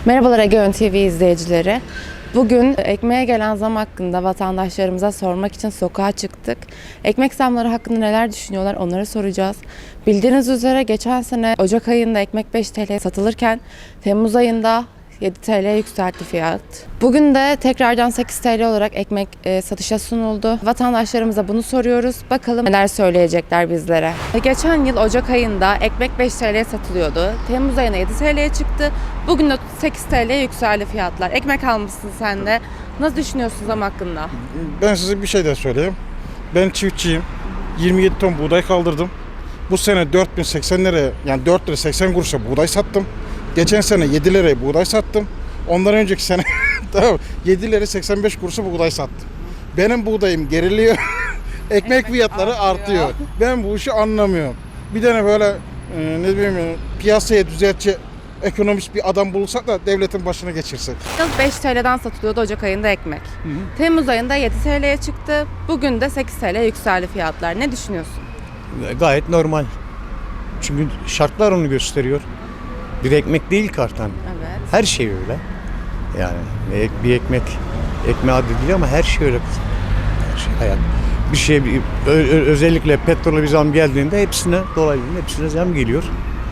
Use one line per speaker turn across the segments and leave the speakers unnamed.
Merhabalar Egeon TV izleyicileri. Bugün ekmeğe gelen zam hakkında vatandaşlarımıza sormak için sokağa çıktık. Ekmek zamları hakkında neler düşünüyorlar onları soracağız. Bildiğiniz üzere geçen sene Ocak ayında ekmek 5 TL satılırken Temmuz ayında 7 TL yükseltti fiyat. Bugün de tekrardan 8 TL olarak ekmek satışa sunuldu. Vatandaşlarımıza bunu soruyoruz. Bakalım neler söyleyecekler bizlere. Geçen yıl Ocak ayında ekmek 5 TL'ye satılıyordu. Temmuz ayına 7 TL'ye çıktı. Bugün de 8 TL'ye yükseldi fiyatlar. Ekmek almışsın sen de. Nasıl düşünüyorsun zam hakkında?
Ben size bir şey de söyleyeyim. Ben çiftçiyim. 27 ton buğday kaldırdım. Bu sene 4080 liraya, yani 4 lira 80 kuruşa buğday sattım. Geçen sene 7 liraya buğday sattım. Ondan önceki sene tamam 7 lira 85 kuruşa buğday sattım. Benim buğdayım geriliyor. Ekmek fiyatları artıyor. Ben bu işi anlamıyorum. Bir tane böyle ne bileyim piyasaya düzeltçi ekonomist bir adam bulursak da devletin başına geçirsek.
Yıl 5 TL'den satılıyordu Ocak ayında ekmek. Temmuz ayında 7 TL'ye çıktı. Bugün de 8 TL yükseldi fiyatlar. Ne düşünüyorsun?
Gayet normal. Çünkü şartlar onu gösteriyor. Bir ekmek değil kartan.
Evet.
Her şey öyle. Yani bir ekmeğe adı değil ama her şey öyle. Her şey hayat. Bir şey özellikle petrole bir zam geldiğinde hepsine hepsine zam geliyor.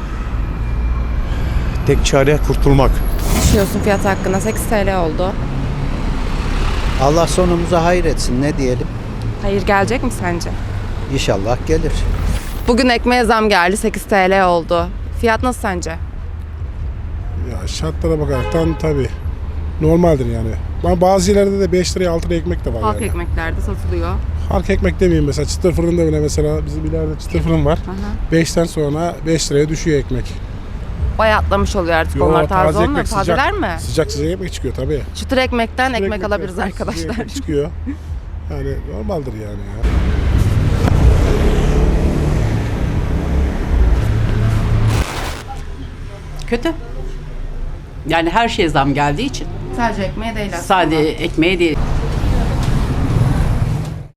Tek çare kurtulmak.
Ne düşünüyorsun fiyat hakkında? 8 TL oldu.
Allah sonumuza hayır etsin, ne diyelim.
Hayır gelecek mi sence?
İnşallah gelir.
Bugün ekmeğe zam geldi. 8 TL oldu. Fiyat nasıl sence?
Ya şartlara bakaraktan tabii normaldir yani. Ama bazı yerlerde de 5 liraya 6 liraya ekmek de var
Halk
yani.
ekmeklerde satılıyor.
Halk ekmek demeyeyim mesela çıtır fırında bile mesela bizim ileride çıtır fırın var. 5'ten sonra 5 liraya düşüyor ekmek.
Bayatlamış oluyor artık
Yo,
onlar. Taze olmuyor.
ekmek,
Tazeler mi?
Sıcak ekmek çıkıyor tabii.
Çıtır ekmekten
Çıtır
ekmek
ekmekten
alabiliriz
sıcak
arkadaşlar.
ekmek çıkıyor. Yani normaldir yani ya.
Kötü. Yani her şeye zam geldiği için.
Sadece ekmeğe değil aslında.
Sadece ekmeğe değil.